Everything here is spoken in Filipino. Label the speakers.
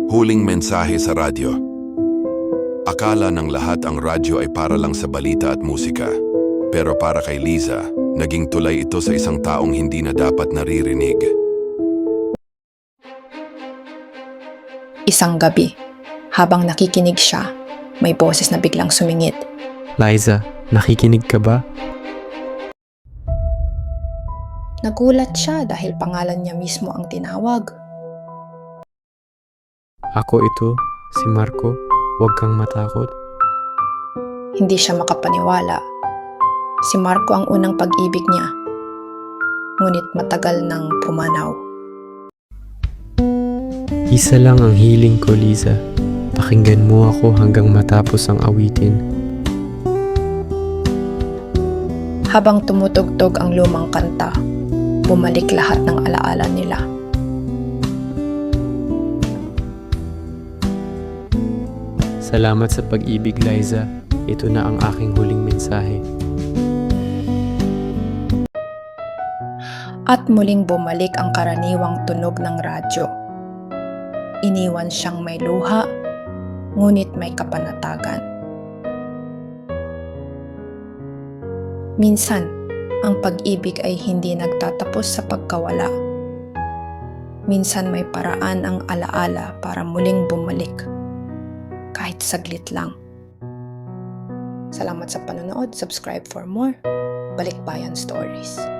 Speaker 1: Huling mensahe sa radyo. Akala ng lahat ang radyo ay para lang sa balita at musika. Pero para kay Liza, naging tulay ito sa isang taong hindi na dapat naririnig.
Speaker 2: Isang gabi, habang nakikinig siya, may boses na biglang sumingit.
Speaker 3: Liza, nakikinig ka ba?
Speaker 2: Nagulat siya dahil pangalan niya mismo ang tinawag.
Speaker 3: Ako ito, si Marco. Huwag kang matakot.
Speaker 2: Hindi siya makapaniwala. Si Marco ang unang pag-ibig niya. Ngunit matagal nang pumanaw.
Speaker 3: Isa lang ang hiling ko, Liza. Pakinggan mo ako hanggang matapos ang awitin.
Speaker 2: Habang tumutugtog ang lumang kanta, bumalik lahat ng alaala nila.
Speaker 3: Salamat sa pag-ibig, Liza. Ito na ang aking huling mensahe.
Speaker 2: At muling bumalik ang karaniwang tunog ng radyo. Iniwan siyang may luha, ngunit may kapanatagan. Minsan, ang pag-ibig ay hindi nagtatapos sa pagkawala. Minsan may paraan ang alaala para muling bumalik. Kahit saglit lang. Salamat sa panonood. Subscribe for more Balikbayan Stories.